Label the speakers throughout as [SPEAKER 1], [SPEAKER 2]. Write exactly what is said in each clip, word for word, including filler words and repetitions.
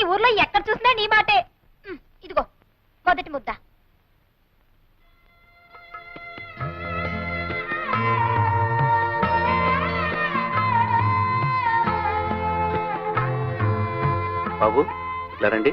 [SPEAKER 1] ఊర్లో ఎక్కడ చూసినా నీ మాటే. ఇదిగో మొదటి ముద్ద.
[SPEAKER 2] బాబు ఇలా రండి.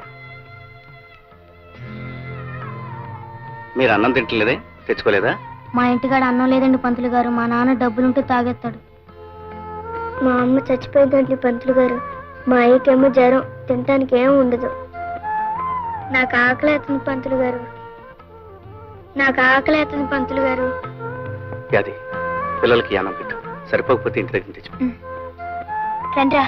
[SPEAKER 2] మీరు అన్నం తింటలేదే, తెచ్చుకోలేదా?
[SPEAKER 3] మా ఇంటికాడ అన్నం లేదండి పంతులు గారు. మా నాన్న డబ్బులుంటే తాగేస్తాడు. మా అమ్మ చచ్చిపోయిందండి పంతులు గారు. మా అయ్యకేమో జ్వరం, తినటానికి ఏం ఉండదు. నాకు ఆకలి అవుతుంది పంతులు గారు. నాకు ఆకలి అవుతుంది పంతులు గారు.
[SPEAKER 2] అది పిల్లలకి అన్నం పెట్టు, సరిపోకపోతే ఇంటి దగ్గర తెచ్చు.
[SPEAKER 3] రండ్రా.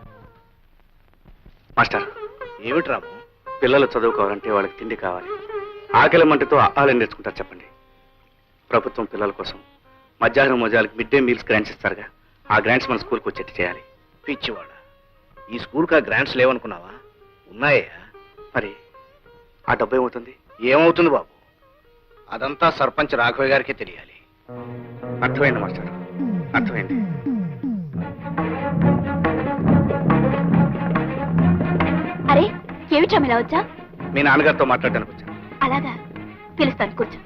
[SPEAKER 2] మాస్టర్, ఏమిటి రాము? పిల్లలు చదువుకోవాలంటే వాళ్ళకి తిండి కావాలి. ఆకలి మంటతో ఆహారం నేర్చుకుంటారు చెప్పండి. ప్రభుత్వం పిల్లల కోసం మధ్యాహ్నం మోజాలకు మిడ్ డే మీల్స్ గ్రాంట్స్ ఇస్తారుగా, ఆ గ్రాంట్స్ మన స్కూల్కి వచ్చేట్టు చేయాలి.
[SPEAKER 4] పిచ్చివాడ, ఈ స్కూల్కి ఆ గ్రాంట్స్ లేవనుకున్నావా? ఉన్నాయా?
[SPEAKER 2] మరి ఆ డబ్బు ఏమవుతుంది?
[SPEAKER 4] ఏమవుతుంది బాబు, అదంతా సర్పంచ్ రాఘవయ్య గారికే తెలియాలి.
[SPEAKER 2] అర్థమైంది మాస్టర్, అర్థమైంది.
[SPEAKER 1] అరే ఏమిటా ఇలా వచ్చా?
[SPEAKER 2] మీ నాన్నగారితో మాట్లాడడానికి వచ్చాను.
[SPEAKER 1] అలాగా, పిలుస్తాను, కూర్చో.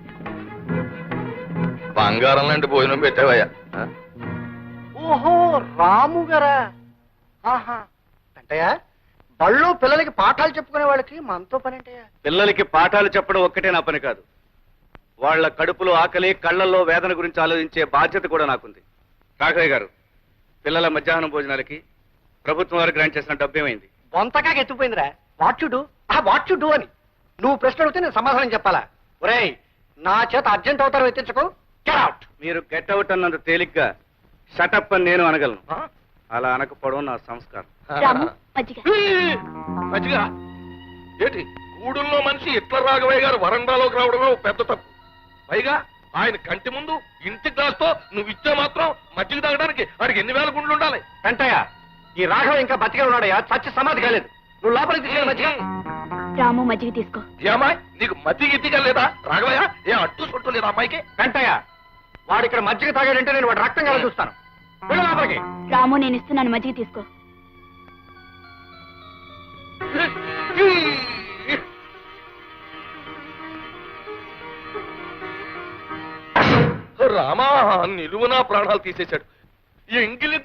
[SPEAKER 5] బంగారం లాంటి భోజనం పెట్టావయ్యా.
[SPEAKER 4] ఓహో, రాము గారా? ఆహా, అంటయ్యా బళ్ళు పిల్లలకి పాఠాలు చెప్పుకునే వాళ్ళకి మనతో పని అంటయ్యా.
[SPEAKER 2] పిల్లలకి పాఠాలు చెప్పడం ఒక్కటే నా పని కాదు, వాళ్ళ కడుపులో ఆకలి, కళ్ళల్లో వేదన గురించి ఆలోచించే బాధ్యత కూడా నాకుంది. రాఘవయ్య గారు, పిల్లల మధ్యాహ్నం భోజనాలకి ప్రభుత్వం వారు గ్రాంట్ చేసిన డబ్బు ఏమైంది?
[SPEAKER 4] బొంతగా ఎత్తుపోయిందిరా. వాచ్యుడు ఆ వాచ్యుడు అని నువ్వు ప్రశ్న అడిగితే నేను సమాధానం చెప్పాలా? ఒరేయ్, నా చేత అర్జెంట్ అవుతారు ఎత్తించకు. Get out.
[SPEAKER 2] మీరు గెట్ అవుట్ అన్నంత తేలిగ్గా షటప్ అని నేను అనగలను. అలా అనకపోవడం నా సంస్కారం.
[SPEAKER 1] రాము, మజ్జిగ.
[SPEAKER 5] మంచిగా ఏంటి గూడుల్లో మనిషి ఇట్ల రాఘవయ్య గారు వరండాలోకి రావడమే ఒక పెద్ద తప్పు. పైగా ఆయన కంటి ముందు ఇంటి గ్లాస్తో నువ్వు ఇచ్చే మాత్రం మజ్జిగ తాగడానికి వాడికి ఎన్ని వేల గుండ్లు ఉండాలి?
[SPEAKER 4] వెంటయ్య, ఈ రాఘవ ఇంకా బతికే ఉన్నాడయ్యా, చచ్చి సమాధి కాలేదు. నువ్వు లోపలికి తీసుకెళ్ళి మధ్య.
[SPEAKER 1] రాము, మజ్జిగ తీసుకో.
[SPEAKER 5] ఏమాయ్, నీకు మజ్జిగ ఇద్దిగా లేదా రాఘవయ్య? ఏ అట్టు చుట్టూ లేదా అమ్మాయికి?
[SPEAKER 4] వెంటయ్య, వాడు ఇక్కడ మజ్జిగ తాగాడంటే నేను వాడు రక్తం కదా చూస్తాను. వెళ్ళు లోపలికి.
[SPEAKER 1] రాము, నేను ఇస్తున్నాను, మజ్జిగ తీసుకో.
[SPEAKER 5] రామా, నిలువునా ప్రాణాలు తీసేశాడు. ఎంగిలి